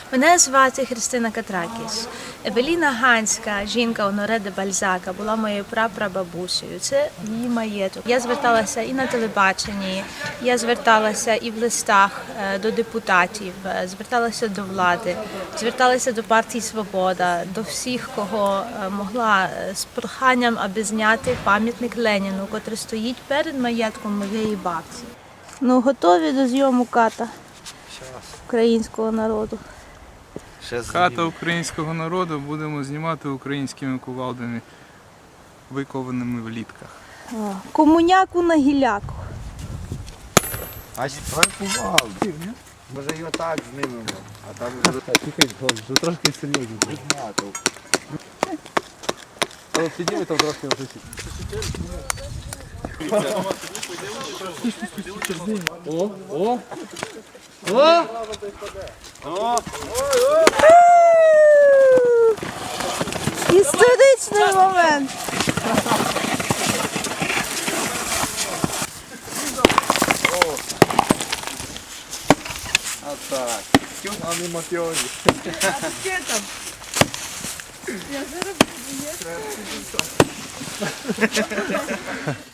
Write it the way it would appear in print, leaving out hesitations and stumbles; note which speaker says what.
Speaker 1: Мене звати Христина Катракіс. Евеліна Ганська, жінка Оноре де Бальзака, була моєю прапрабабусею. Це її маєток. Я зверталася і на телебаченні, я зверталася і в листах до депутатів, зверталася до влади, зверталася до партії «Свобода», до всіх, кого могла, з проханням, аби зняти пам'ятник Леніну, котрий стоїть перед маєтком моєї бабці. Ну, готові до зйому ката українського народу?
Speaker 2: Хата українського народу будемо знімати українськими кувалдами, викованими в літках.
Speaker 1: Комуняку на гіляку.
Speaker 3: А давай кувалди. Може його так знімемо, а там вже трошки серйозно. Але підійми там трошки вже О! О! О! О!
Speaker 1: Історичний момент.
Speaker 3: А так. А не мафіозі.
Speaker 1: Що там? Я зараз